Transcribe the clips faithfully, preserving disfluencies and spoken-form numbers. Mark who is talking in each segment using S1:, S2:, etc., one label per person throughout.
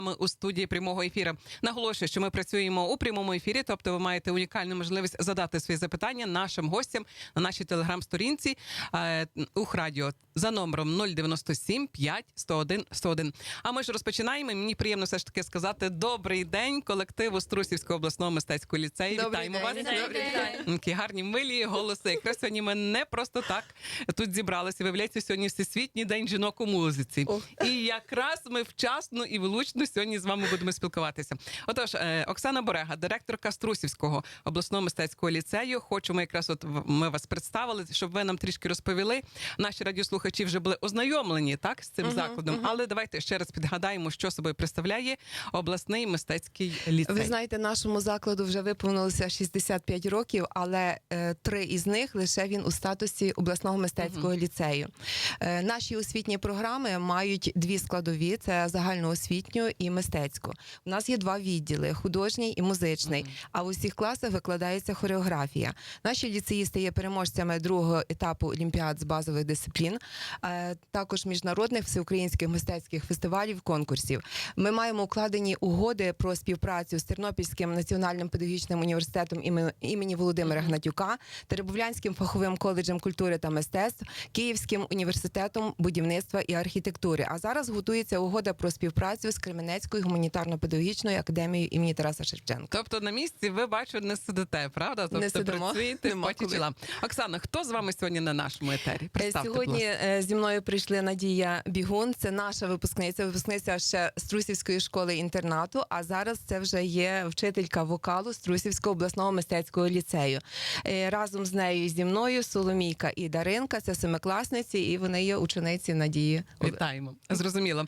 S1: Ми у студії прямого ефіру. Наголошую, що ми працюємо у прямому ефірі, тобто ви маєте унікальну можливість задати свої запитання нашим гостям на нашій телеграм-сторінці е, Ухрадіо за номером нуль дев'яносто сім п'ять сто один сто один. А ми ж розпочинаємо. Мені приємно все ж таки сказати добрий день колективу Струсівського обласного мистецького ліцею.
S2: Добрий
S1: Вітаємо
S2: день.
S1: вас.
S2: Добрий день.
S1: Такі гарні, милі голоси. Якраз сьогодні ми не просто так тут зібралися. Виявляється, сьогодні Всесвітній день жінок у музиці.
S2: Ох.
S1: І якраз ми вчасно і влучно сьогодні з вами будемо спілкуватися. Отож, Оксана Борега, директорка Струсівського обласного мистецького ліцею. Хочемо якраз от ми вас представили, щоб ви нам трішки розповіли. Наші радіослухачі вже були ознайомлені так з цим uh-huh, закладом, uh-huh. але давайте ще раз підгадаємо, що собою представляє обласний мистецький ліцей.
S2: Ви знаєте, нашому закладу вже виповнилося шістдесят п'ять років, але е, три із них лише він у статусі обласного мистецького uh-huh. ліцею. Е, наші освітні програми мають дві складові: це загальноосвітню і мистецьку. У нас є два відділи: художній і музичний. Uh-huh. А в усіх класах викладається хореографія. Наші ліцеїсти є переможцями другого етапу олімпіад з базових дисциплін, е, також міжнародних всеукраїнських мистецьких фестивалів, конкурсів. Ми маємо укладені угоди про співпрацю з Тернопільським національним педагогічним університетом імені Володимира uh-huh. Гнатюка, Теребовлянським фаховим коледжем культури та мистецтв, Київським університетом будівництва і архітектури. А зараз готується угода про співпрацю з Кременецькою гуманітарно-педагогічною академією імені Тараса Шевченка.
S1: Тобто на місці ви, бачу, не сидите, правда? Тобто
S2: не сидимо.
S1: Працюєте в поті чола. Оксана, хто з вами сьогодні на нашому етері? Представте,
S2: сьогодні зі мною прийшли Надія Бігун, це наша випускниця, випускниця ще Струсівської школи-інтернату, а зараз це вже є вчителька вокалу Струсівського обласного мистецького ліцею. Разом з нею і зі мною Соломійка і Даринка, це семикласниці, і вони є учениці Надії.
S1: Вітаємо. Зрозуміло.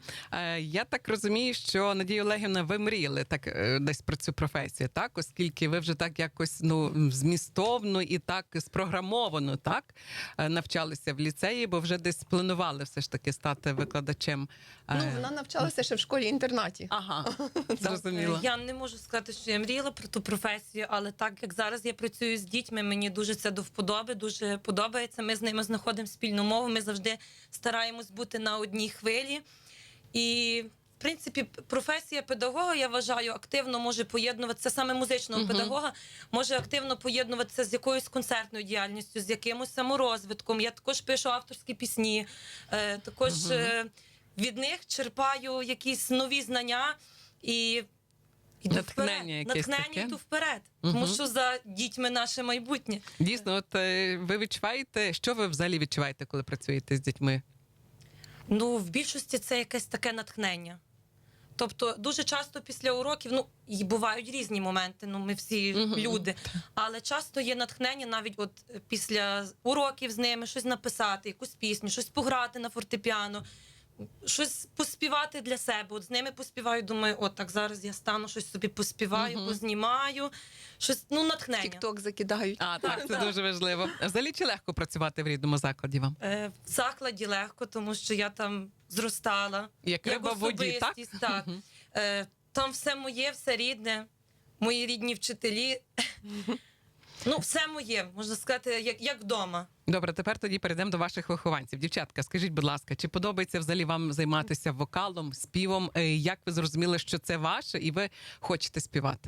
S1: Я так розумію, що, Надія Олегівна, ви мріяли так десь про цю професію, так? Оскільки ви вже так якось ну змістовно і так спрограмовано, так, навчалися в ліцеї, бо вже десь планували все ж таки стати викладачем.
S2: Ну, вона навчалася ще в школі-інтернаті.
S1: Ага, зрозуміло.
S3: Я не можу сказати, що я мріяла про ту професію, але так як зараз я працюю з дітьми, мені дуже це до вподоби, дуже подобається. Ми з ними знаходимо спільну мову, ми завжди стараємось бути на одній хвилі. І в принципі, професія педагога, я вважаю, активно може поєднуватися, саме музичного uh-huh. педагога, може активно поєднуватися з якоюсь концертною діяльністю, з якимось саморозвитком. Я також пишу авторські пісні, е, також uh-huh. е, від них черпаю якісь нові знання і йду
S1: натхнення
S3: вперед.
S1: якесь
S3: Натхнення
S1: таке.
S3: йду вперед,
S1: Uh-huh.
S3: тому що за дітьми наше майбутнє.
S1: Дійсно, от ви відчуваєте, що ви взагалі відчуваєте, коли працюєте з дітьми?
S3: Ну, в більшості це якесь таке натхнення. Тобто, дуже часто після уроків, ну, і бувають різні моменти, ну, ми всі uh-huh. люди, але часто є натхнення навіть от після уроків з ними щось написати, якусь пісню, щось пограти на фортепіано, щось поспівати для себе. От з ними поспіваю, думаю, от так зараз я стану, щось собі поспіваю, uh-huh. познімаю, щось, ну, натхнення.
S2: Тік-ток закидають.
S1: А, так, так, це дуже важливо. Взагалі, чи легко працювати в рідному закладі вам?
S3: Е, в закладі легко, тому що я там зростала.
S1: Як риба в воді, так?
S3: так. Uh-huh. Е, там все моє, все рідне, мої рідні вчителі. Ну, все моє, можна сказати, як, як вдома.
S1: Добре, тепер тоді перейдемо до ваших вихованців. Дівчатка, скажіть, будь ласка, чи подобається взагалі вам займатися вокалом, співом? Як ви зрозуміли, що це ваше і ви хочете співати?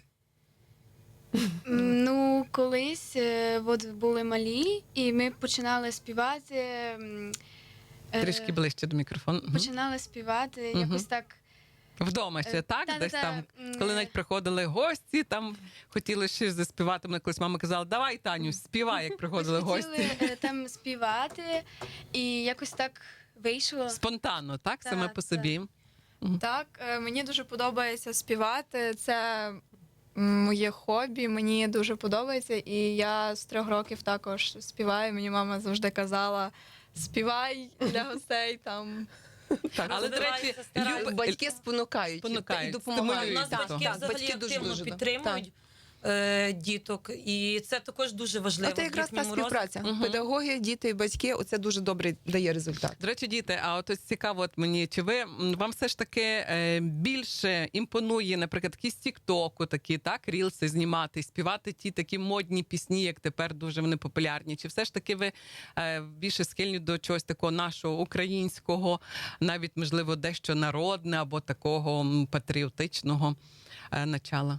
S4: Ну, колись от, були малі, і ми починали співати.
S1: Трішки ближче до мікрофону.
S4: Починали співати,
S1: угу.
S4: якось так.
S1: Вдома ще, так?
S4: Та,
S1: Десь
S4: та,
S1: там,
S4: та.
S1: коли навіть приходили гості, там хотіли щось заспівати. Мене колись мама казала, давай, Таню, співай, як приходили гості.
S4: Хотіли там співати, і якось так вийшло.
S1: Спонтанно, так?
S4: Та,
S1: Саме по собі.
S5: Так, мені дуже подобається співати. Це моє хобі, мені дуже подобається. І я з трьох років також співаю. Мені мама завжди казала, співай для гостей там.
S1: Так, але, до речі,
S2: люб... батьки спонукають,
S1: спонукають
S2: і допомагають.
S3: У нас
S1: так,
S3: батьки
S2: так,
S3: взагалі
S2: батьки дуже,
S3: активно
S2: дуже,
S3: підтримують. е, діток, і це також дуже важливо.
S2: Це
S3: в
S2: якраз та
S3: їхньому
S2: співпраця.
S1: Мгм.
S2: Педагоги, діти і батьки, оце дуже добре дає результат.
S1: До речі, діти, а от ось цікаво, от мені, чи ви м, вам все ж таки е, більше імпонує, наприклад, такі з Тіктоку, такі так, рілси знімати, співати ті такі модні пісні, як тепер дуже вони популярні? Чи все ж таки ви е, більше схильні до чогось такого нашого українського, навіть можливо дещо народне або такого м, патріотичного е, начала?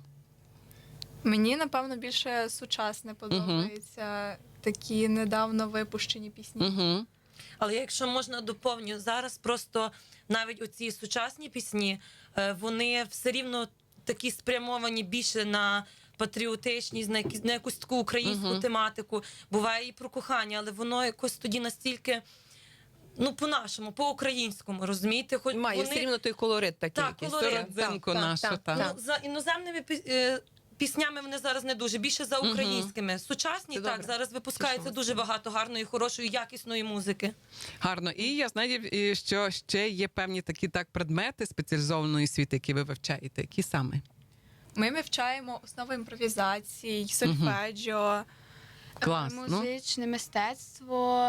S5: Мені, напевно, більше сучасне подобається. Такі недавно випущені пісні.
S1: Угу.
S3: Але якщо можна доповню, зараз просто навіть оці сучасні пісні, е, вони все рівно такі спрямовані більше на патріотичність, на якісь- на якусь таку українську
S1: Мгм.
S3: тематику. Буває і про кохання, але воно якось тоді настільки, ну, по-нашому, по-українському, розумієте? Хоч
S2: Має
S3: вони...
S2: все рівно той колорит такий.
S3: Так,
S2: якийсь.
S3: колорит.
S1: Родзинку
S2: Так,
S1: нашу,
S2: так,
S1: так.
S2: так.
S3: Ну, за іноземними пі- е, піснями вони зараз не дуже, більше за
S1: Мгм.
S3: українськими. Сучасні,
S2: Це
S3: так,
S2: добре.
S3: зараз випускається
S2: Тішимося.
S3: дуже багато гарної, хорошої, якісної музики.
S1: Гарно. І я знаю, і що ще є певні такі так предмети спеціалізованої освіти, які ви вивчаєте. Які саме?
S5: Ми вивчаємо основи імпровізації, сольфеджіо.
S1: Клас. Ну,
S4: Музичне мистецтво.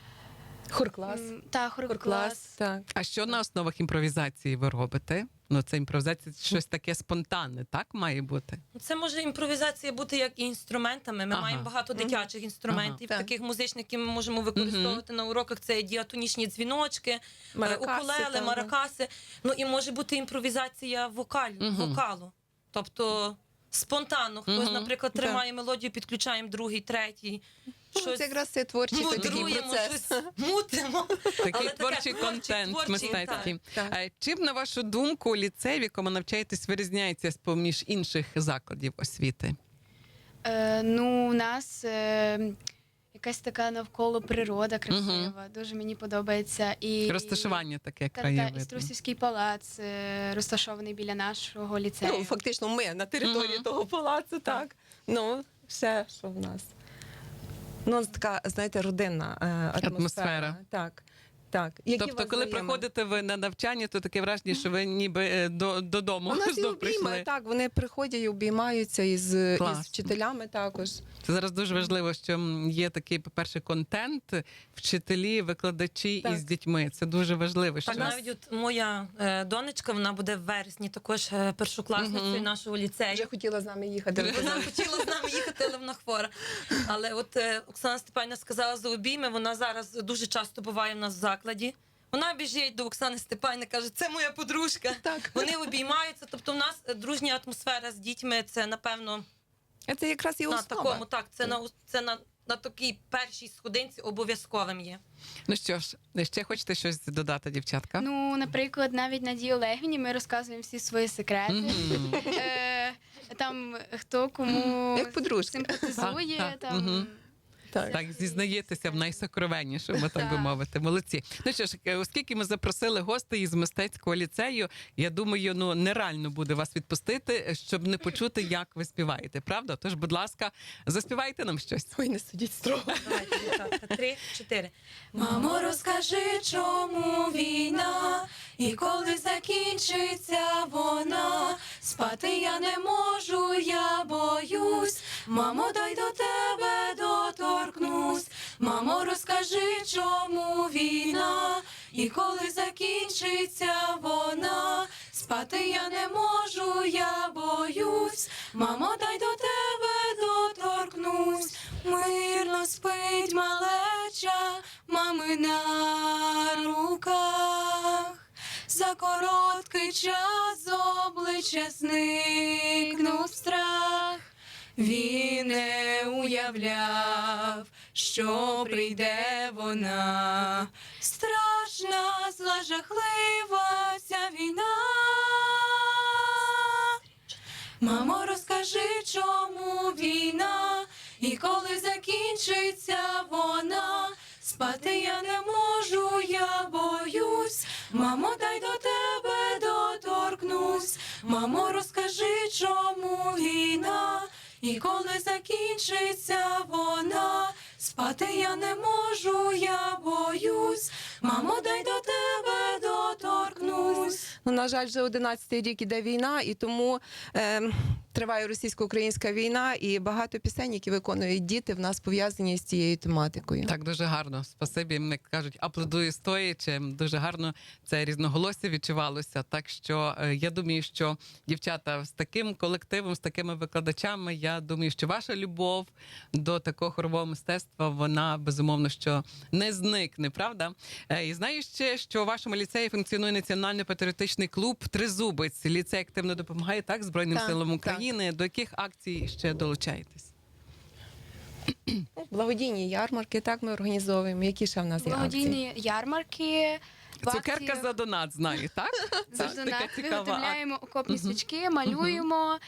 S2: Хорклас.
S4: м, Та
S2: Хорклас,
S4: хорклас.
S2: так.
S1: а що на основах імпровізації ви робите? Ну, це імпровізація щось таке спонтанне, так має бути?
S3: Це може імпровізація бути як і інструментами. Ми
S1: Ага.
S3: маємо багато дитячих інструментів,
S2: Ага.
S3: таких музичних, які ми можемо використовувати на уроках. Це діатонічні дзвіночки, е,
S2: Маракаси,
S3: укулеле,
S2: так,
S3: маракаси. Ну і може бути імпровізація вокаль,
S1: Мгм.
S3: вокалу. Тобто спонтанно. Хтось,
S1: Мгм.
S3: наприклад,
S2: Так.
S3: тримає мелодію, підключаємо другий, третій.
S2: Ну, це якраз це творчий такий
S3: мудруємо,
S2: процес.
S3: щось мутимо.
S1: Такий
S3: Але таке
S1: творчий
S3: творчий,
S1: контент
S3: творчий,
S1: мистецький.
S2: так.
S1: Е, Чим, на вашу думку, ліцей, в якому навчаєтесь, вирізняється з-поміж інших закладів освіти?
S4: Е, ну, у нас е, якась така навколо природа красива. Дуже мені подобається. І
S1: Розташування таке
S4: Та, та,
S1: краєвидне.
S4: Іструсівський палац е, розташований біля нашого ліцею.
S2: Ну, фактично, ми на території
S1: Мгм.
S2: того палацу, так. Ну, все, що в нас. Ну, така, знаєте, родинна е, атмосфера.
S1: Атмосфера.
S2: Так, так. Які у
S1: Тобто,
S2: вас
S1: коли
S2: взаємини?
S1: приходите ви на навчання, то таке враження, що ви ніби е, до, додому
S2: У нас і
S1: знов
S2: обійми,
S1: прийшли.
S2: так, вони приходять і обіймаються із, із
S1: Класно.
S2: вчителями також.
S1: Це зараз дуже важливо, що м, є такий, по-перше, контент, вчителі, викладачі
S2: Так.
S1: із дітьми. Це дуже важливо. Що
S3: Так,
S1: нас-
S3: навіть от моя е, донечка, вона буде в вересні також е, першокласницею
S1: Мгм.
S3: нашого ліцею.
S2: Вже хотіла з нами їхати.
S3: Вона хотіла з нами їхати, але вона хвора. Але от е, Оксана Степанівна сказала за обійми, вона зараз дуже часто буває в нас в закладі. Вона біжить до Оксани Степанівни, каже, це моя подружка.
S2: Так.
S3: Вони обіймаються. Тобто в нас е, дружня атмосфера з дітьми, це, напевно,
S2: А це якраз і
S3: на
S2: основа.
S3: такому, так, це на, це на, на такій першій сходинці обов'язковим є.
S1: Ну що ж, ще хочете щось додати, дівчатка?
S4: Ну, наприклад, навіть Надії Олегівні ми розказуємо всі свої секрети.
S1: Мгм.
S4: Е, там хто кому
S2: Як подружки.
S4: симпатизує.
S1: Так, так,
S4: Там,
S1: мгм.
S2: Так.
S1: Так, зізнаєтеся в найсокровеннішому, так би
S4: Так.
S1: мовити. Молодці. Ну що ж, е, оскільки ми запросили гостей із мистецького ліцею, я думаю, ну нереально буде вас відпустити, щоб не почути, як ви співаєте. Правда? Тож, будь ласка, заспівайте нам щось.
S2: Ой, не судіть строго.
S3: Давайте, дівчатка, три, чотири. Мамо, розкажи, чому війна, і коли закінчиться вона, спати я не можу, я боюсь. Мамо, дай до тебе доторкнусь. Мамо, розкажи, чому війна, і коли закінчиться вона, спати я не можу, я боюсь. Мамо, дай до тебе доторкнусь. Мирно спить малеча, мами на руках. За короткий час з обличчя зникнув страх. Він не уявляв, що прийде вона. Страшна, зла, жахлива ця війна. Мамо, розкажи, чому війна, і коли закінчиться вона, спати я не можу, я боюсь. Мамо, дай до тебе доторкнусь. Мамо, розкажи, чому війна, і коли закінчиться вона, спати я не можу, я боюсь. Мамо, дай до тебе доторкнусь.
S2: Ну, на жаль, вже одинадцятий рік іде війна, і тому е, триває російсько-українська війна, і багато пісень, які виконують діти, в нас пов'язані з цією тематикою.
S1: Так, дуже гарно. Спасибі. Як кажуть, аплодую стоячи. Дуже гарно це різноголосся відчувалося. Так що е, я думаю, що дівчата з таким колективом, з такими викладачами, я думаю, що ваша любов до такого хорового мистецтва, вона безумовно що не зникне, правда? Е, і знаю ще, що у вашому ліцеї функціонує національний патріотичний клуб Тризубець. Ліцей активно допомагає так Збройним
S2: Так,
S1: силам
S2: так.
S1: України. До яких акцій ще долучаєтесь?
S2: Благодійні ярмарки, так ми організовуємо. Які ще в нас є акції?
S4: Благодійні ярмарки. в
S1: Цукерка
S4: акції
S1: за донат, знаю, так?
S4: за
S1: Так,
S4: донат.
S1: така цікава
S4: Виготовляємо окопні
S1: Мгм.
S4: свічки, малюємо,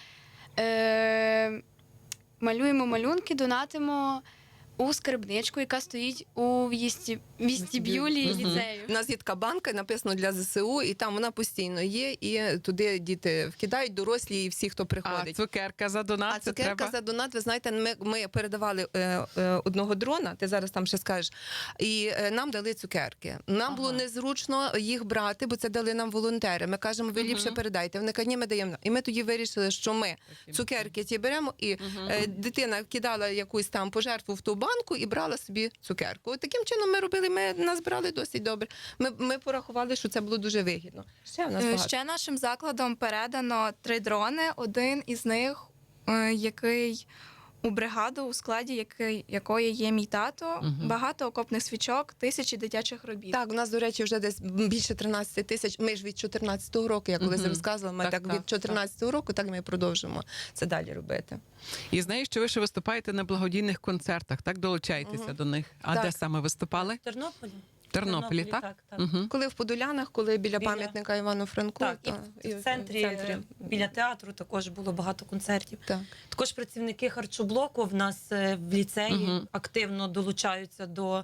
S4: е, малюємо малюнки, донатимо у скарбничку, яка стоїть у в'їсті- вестибюлі
S1: Мгм.
S4: ліцею.
S2: У нас є така банка, написано для ЗСУ, і там вона постійно є, і туди діти вкидають, дорослі і всі, хто
S1: А
S2: приходить.
S1: цукерка за донат,
S2: А
S1: це
S2: цукерка
S1: треба?
S2: за донат, ви знаєте, ми, ми передавали е, е, одного дрона, ти зараз там ще скажеш, і е, нам дали цукерки. Нам
S1: Ага.
S2: було незручно їх брати, бо це дали нам волонтери. Ми кажемо, ви ліпше
S1: Мгм.
S2: передайте. Вони кажуть, ні, ми даємо. І ми тоді вирішили, що ми
S1: Таким
S2: цукерки ті беремо, і
S1: Мгм.
S2: е, дитина кидала якусь там пожертву в ту банку і брала собі цукерку. От таким чином ми робили, ми назбирали досить добре. Ми, ми порахували, що це було дуже вигідно. Ще в нас
S5: Е,
S2: багато.
S5: Ще нашим закладом передано три дрони. Один із них, е, який у бригаду, у складі який, якої є мій тато,
S1: Мгм.
S5: багато окопних свічок, тисячі дитячих робіт.
S2: Так, у нас, до речі, вже десь більше тринадцять тисяч. Ми ж від чотирнадцятого року, я колись
S1: Мгм.
S2: розказувала, ми
S1: Так,
S2: так,
S1: так,
S2: від чотирнадцятого року, так ми і продовжимо це далі робити.
S1: І знаю, що ви ще виступаєте на благодійних концертах, так? Долучаєтеся
S2: Мгм.
S1: до них. А
S2: Так.
S1: де саме виступали?
S3: В Тернополі.
S1: В Тернополі, так?
S3: так, так.
S1: Угу.
S2: Коли в Подолянах, коли біля,
S3: Біля-
S2: пам'ятника Івану Франку,
S3: Так, і
S2: то
S3: в, в центрі, е, біля театру також було багато концертів.
S2: Так.
S3: Також працівники харчоблоку в нас е, в ліцеї
S1: Мгм.
S3: активно долучаються до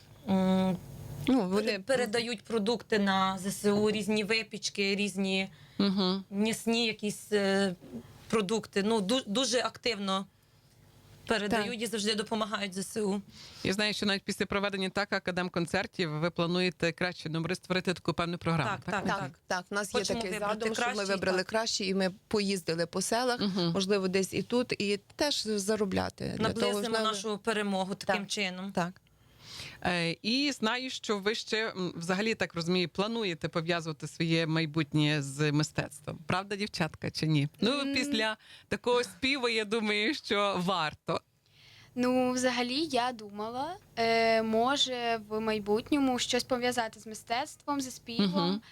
S3: м,
S2: Ну, вони
S3: передають продукти на ЗСУ, різні випічки, різні
S1: Угу.
S3: м'ясні якісь е, продукти. Ну ду- дуже активно передають і завжди допомагають ЗСУ.
S1: Я знаю, що навіть після проведення так академконцертів ви плануєте краще номери створити таку певну програму.
S3: Так, так.
S2: Так, так, у нас є
S3: Хочемо
S2: такий
S3: вибрати
S2: задум, що ми
S3: кращий,
S2: вибрали
S3: так.
S2: кращі, і ми поїздили по селах,
S1: Угу.
S2: можливо, десь і тут, і теж заробляти. Для того,
S3: Наблизимо
S2: ж,
S3: нашу перемогу таким
S2: Так.
S3: чином.
S2: Так.
S1: Е, і знаю, що ви ще м, взагалі так розумію, плануєте пов'язувати своє майбутнє з мистецтвом. Правда, дівчатка, чи ні? Ну,
S4: М.
S1: після такого співу, я думаю, що варто.
S4: Ну, взагалі, я думала, е, може в майбутньому щось пов'язати з мистецтвом, зі співом.
S1: Мгм.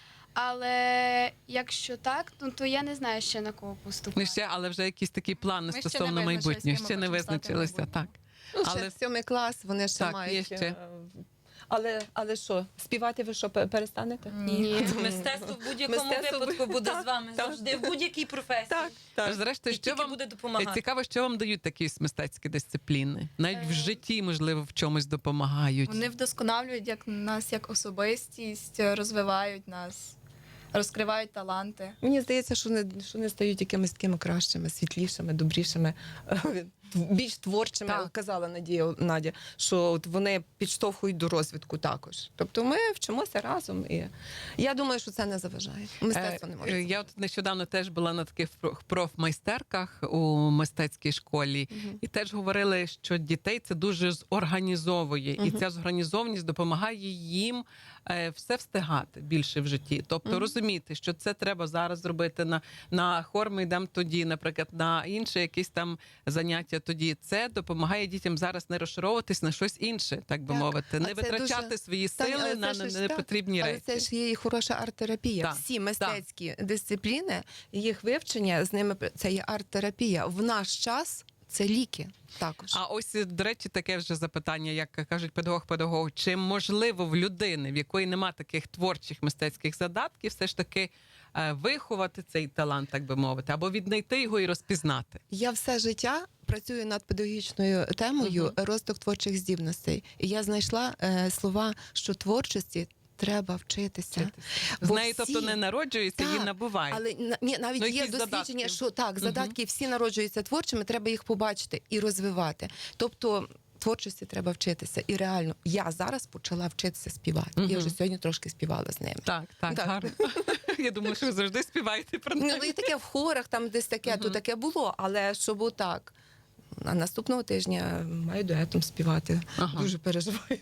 S4: Але якщо так, ну то я не знаю ще на кого поступати.
S1: Не ще, але вже якісь такі плани
S6: Ми ще не
S1: стосовно
S6: визначились,
S1: майбутнього.
S6: ким ми
S1: Ще не
S6: хочемо стати в
S1: визначилися, так.
S6: майбутньому.
S2: Ну, ще
S1: Але-
S2: сьомий клас, вони ще
S1: Так,
S2: мають.
S1: є ще.
S2: е, Але, але що, співати ви що, пе- перестанете?
S4: Ні.
S3: Мистецтво в будь-якому
S2: Мистецтво
S3: випадку
S2: бу-
S3: буде
S2: так,
S3: з вами
S2: так.
S3: завжди, в будь-якій професії.
S2: Так,
S1: Тож, зрештою,
S3: І
S1: що
S3: тільки
S1: вам
S3: буде допомагати.
S1: цікаво, що вам дають такі мистецькі дисципліни? Навіть в
S4: Е.
S1: житті, можливо, в чомусь допомагають.
S5: Вони вдосконалюють як нас як особистість, розвивають нас, розкривають таланти.
S2: Мені здається, що вони, що вони стають якимись такими кращими, світлішими, добрішими, е, більш творчими.
S1: Так.
S2: Казала Надія Надя, що от вони підштовхують до розвитку також. Тобто ми вчимося разом, і я думаю, що це не заважає. Мистецтво не може.
S1: Е, е, Я от нещодавно теж була на таких проф- профмайстерках у мистецькій школі,
S2: Мгм.
S1: і теж говорили, що дітей це дуже зорганізовує, і
S2: Мгм.
S1: ця зорганізованість допомагає їм е, все встигати більше в житті. Тобто
S2: Мгм.
S1: розуміти, що це треба зараз зробити на, на хор ми йдемо тоді, наприклад, на інше якісь там заняття тоді. Це допомагає дітям зараз не розшаровуватись на щось інше, так би
S2: Так.
S1: мовити,
S2: А
S1: не
S2: це
S1: витрачати
S2: дуже-
S1: свої
S2: Таня,
S1: сили
S2: але
S1: на
S2: це ж так.
S1: непотрібні
S2: Але
S1: речі.
S2: це ж є і хороша арт-терапія.
S1: Так,
S2: Всі мистецькі дисципліни, їх вивчення з ними це є арт-терапія. В наш час це ліки також.
S1: А ось, до речі, таке вже запитання, як кажуть педагог-педагог, чи можливо в людини, в якої нема таких творчих мистецьких задатків, все ж таки е, виховати цей талант, так би мовити, або віднайти його і розпізнати?
S2: Я все життя працюю над педагогічною темою
S1: Мгм.
S2: розвиток творчих здібностей. І я знайшла е, слова, що творчості треба вчитися.
S1: З
S2: Бо
S1: нею,
S2: всі-
S1: тобто, не народжується, її
S2: Так,
S1: набувають.
S2: Але на- ні, навіть
S1: Ну,
S2: є
S1: якісь
S2: дослідження,
S1: задатки.
S2: що так,
S1: Мгм.
S2: задатки всі народжуються творчими, треба їх побачити і розвивати. Тобто творчості треба вчитися. І реально, я зараз почала вчитися співати.
S1: Мгм.
S2: Я вже сьогодні трошки співала з ними.
S1: Так, так,
S2: Так.
S1: гарно. Я думала, що ви завжди співаєте про
S2: Ну,
S1: неї.
S2: і таке в хорах, там десь таке, то таке було, але щоб отак. А наступного тижня маю дуетом співати.
S1: Ага.
S2: Дуже переживаю.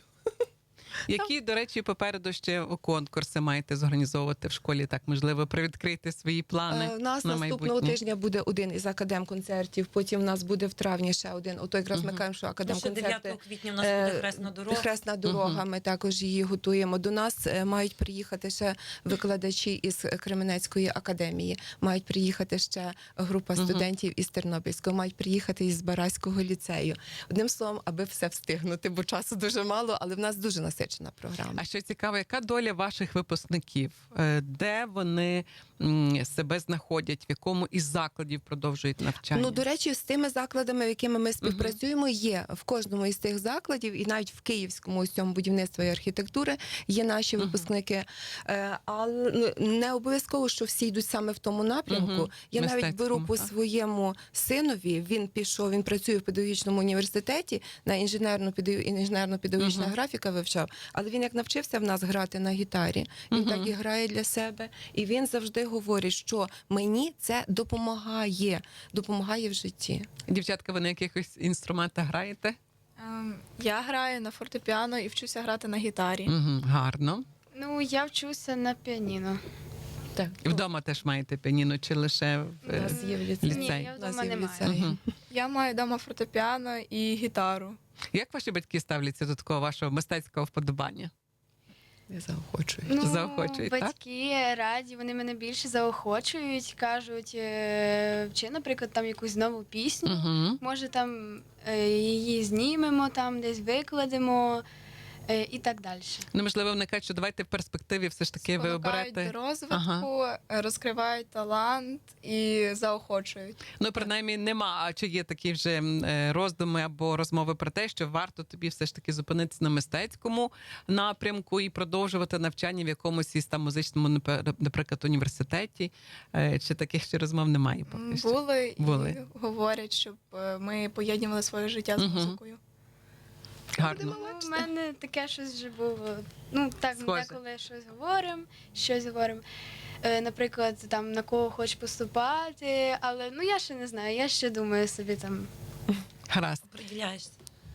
S1: Які, до речі, попереду ще конкурси маєте зорганізовувати в школі? Так, можливо, привідкрити свої плани
S2: Е, У нас
S1: на
S2: наступного
S1: майбутнє?
S2: тижня буде один із академ-концертів, потім в нас буде в травні ще один. Ото якраз ми
S1: Мгм.
S2: кажемо, що
S3: Ну, ще
S2: академ-концерти.
S3: дев'ятого квітня у нас
S2: Е,
S3: буде хресна дорога.
S2: Хресна дорога, ми також її готуємо. До нас е, мають приїхати ще викладачі із Кременецької академії, мають приїхати ще група
S1: Мгм.
S2: студентів із Тернопільського, мають приїхати із Бараського ліцею. Одним словом, аби все встигнути, бо часу дуже мало, але в нас дуже насичена програма.
S1: А що цікаво, яка доля ваших випускників? Е, Де вони м, себе знаходять? В якому із закладів продовжують навчання?
S2: Ну, до речі, з тими закладами, якими ми співпрацюємо, є в кожному із тих закладів, і навіть в Київському ось цьому будівництва і архітектури є наші
S1: Мгм.
S2: випускники. Е, Але ну, не обов'язково, що всі йдуть саме в тому напрямку.
S1: Мгм.
S2: Я навіть беру
S1: Мистецькому,
S2: по
S1: так.
S2: своєму синові. Він пішов, він працює в педагогічному університеті на інженерну інженерно-педагогічна
S1: Мгм.
S2: графіка вивчав. Але він як навчився в нас грати на гітарі, він
S1: Мгм.
S2: так і грає для себе. І він завжди говорить, що мені це допомагає, допомагає в житті.
S1: Дівчатка, ви на якихось інструментах граєте?
S5: Ем, Я граю на фортепіано і вчуся грати на гітарі.
S1: Угу, гарно.
S4: Ну, я вчуся на піаніно.
S2: Так.
S1: І вдома теж маєте піаніно, чи лише в
S2: У нас є в ліцеї.
S1: ліцей?
S4: Ні, я
S2: У нас
S4: вдома
S2: є в
S4: не маю.
S2: ліцеї.
S1: Мгм.
S5: Я маю вдома фортепіано і гітару.
S1: Як ваші батьки ставляться до такого вашого мистецького вподобання?
S2: Я заохочую.
S4: Ну,
S1: Заохочують, так?
S4: батьки раді, вони мене більше заохочують, кажуть, е, чи, наприклад, там якусь нову пісню.
S1: Угу.
S4: Може, там е, її знімемо, там десь викладемо е, і так далі.
S1: Ну, можливо, вони кажуть, що давайте в перспективі все ж таки ви
S5: Спонукають
S1: оберете.
S5: до розвитку, е, розкривають талант і заохочують.
S1: Ну, принаймні, нема. А чи є такі вже м, е, роздуми або розмови про те, що варто тобі все ж таки зупинитися на мистецькому напрямку і продовжувати навчання в якомусь із там музичному, напе- наприклад, університеті? Е, Чи таких ще розмов немає поки що?
S5: Були і
S1: Були.
S5: говорять, щоб е, ми поєднували своє життя з
S1: Мгм.
S5: музикою.
S1: Гарно.
S4: Ну, у мене таке щось вже було. Ну, так, ми
S1: Схоже.
S4: деколи щось говоримо, щось говоримо. Е, наприклад, там на кого хочеш поступати, але ну я ще не знаю, я ще думаю собі там.
S1: Гаразд.
S3: Приділяєшся.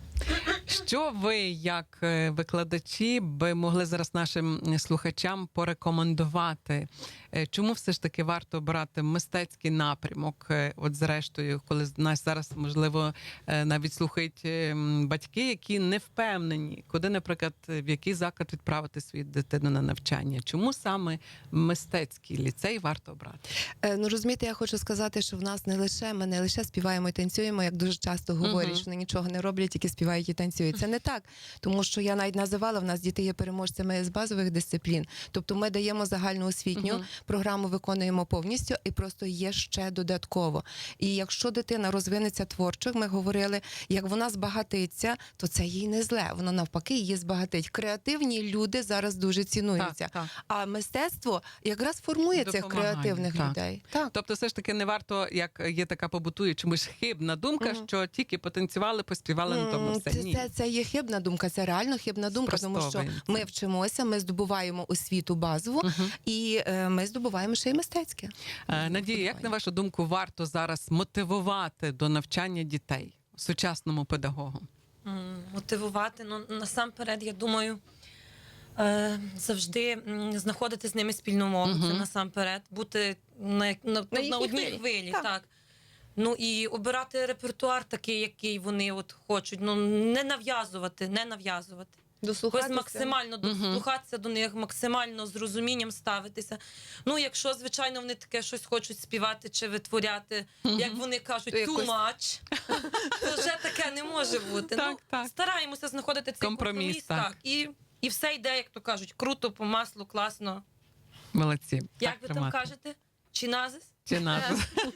S1: Що ви, як е, викладачі, би могли зараз нашим слухачам порекомендувати? Е, Чому все ж таки варто обирати мистецький напрямок? Е, От зрештою, коли нас зараз, можливо, е, навіть слухають е, м, батьки, які не впевнені, куди, наприклад, в який заклад відправити свою дитину на навчання? Чому саме мистецький ліцей варто обрати?
S2: Е, Ну розумієте, я хочу сказати, що в нас не лише ми не лише співаємо і танцюємо, як дуже часто говорять,
S1: Мгм.
S2: що вони нічого не роблять, тільки співають і танцюють. Це не так, тому що я навіть називала, в нас діти є переможцями з базових дисциплін. Тобто ми даємо загальну освітню
S1: Мгм.
S2: програму, виконуємо повністю, і просто є ще додатково. І якщо дитина розвинеться творчо, як ми говорили, як вона збагатиться, то це їй не зле. Воно навпаки її збагатить. Креативні люди зараз дуже цінуються.
S1: Так, так.
S2: А мистецтво якраз формує цих
S1: Допомагає,
S2: креативних
S1: так.
S2: людей. Так.
S1: Тобто, все ж таки не варто, як є така побутує чомусь хибна думка,
S2: Мгм.
S1: що тільки потанцювали, поспівали на тому
S2: М,
S1: все.
S2: Це,
S1: Ні.
S2: це, це є хибна думка, це реально хибна думка, тому що
S1: Спростовуємо
S2: ми
S1: це.
S2: вчимося, ми здобуваємо освіту базову,
S1: Мгм.
S2: і е, ми здобуваємо ще й мистецьке.
S1: Е, Надія, як на вашу думку, варто зараз мотивувати до навчання дітей сучасному педагогу?
S3: М, Мотивувати. Ну, насамперед, я думаю, е, завжди м, знаходити з ними спільну мову. Це
S1: Мгм.
S3: насамперед, бути на, як- на, на,
S2: їхній
S3: одній
S2: хвилі.
S3: хвилі.
S2: Так.
S3: Так. Ну і обирати репертуар такий, який вони от хочуть. Ну, не нав'язувати, не нав'язувати. Ось
S2: Дослухатися.
S3: максимально
S1: Мгм.
S3: дослухатися до них, максимально з розумінням ставитися. Ну, якщо, звичайно, вони таке щось хочуть співати чи витворяти, як вони кажуть,
S2: То
S3: too
S2: якось-
S3: much, то вже таке не може бути.
S1: Так,
S3: ну,
S1: так.
S3: Стараємося знаходити цей
S1: Компроміс,
S3: компроміс,
S1: так.
S3: так. І, і все йде, як то кажуть, круто, по маслу, класно.
S1: Молодці.
S3: Як
S1: Так
S3: ви там
S1: тримати.
S3: кажете? Чиназис?
S1: Чи назва?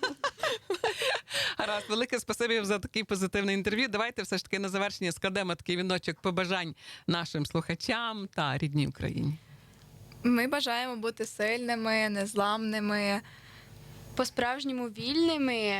S1: Гаразд, велике спасибі за такий позитивний інтерв'ю. Давайте все ж таки на завершення складемо такий віночок побажань нашим слухачам та рідній Україні.
S5: Ми бажаємо бути сильними, незламними.
S4: По-справжньому вільними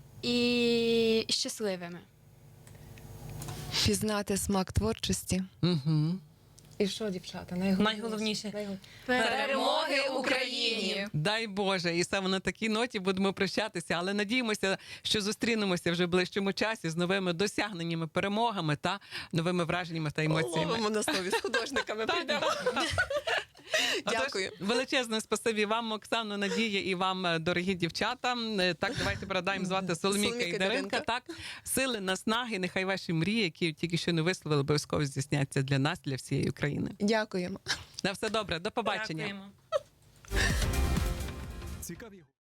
S4: і щасливими.
S2: Пізнати смак творчості
S1: Угу.
S2: І що, дівчата,
S3: Найголовніше.
S4: Перемоги Україні!
S1: Дай Боже, і саме на такій ноті будемо прощатися, але надіємося, що зустрінемося вже в ближчому часі з новими досягненнями, перемогами та новими враженнями та емоціями.
S2: Ловимо на слові з художниками. підемо. Дякую.
S1: Отож, величезне спасибі вам, Оксано, Надія, і вам, е, дорогі дівчата. Е, Так, давайте передаємо звати Соломійка
S2: Соломійка
S1: і
S2: і
S1: Даринка.
S2: Даринка.
S1: Так, сили, наснаги, нехай ваші мрії, які тільки що не висловили, обов'язково здійсняться для нас, для всієї України.
S2: Дякуємо.
S1: На все добре, до побачення.
S3: Дякуємо.
S6: Цікаві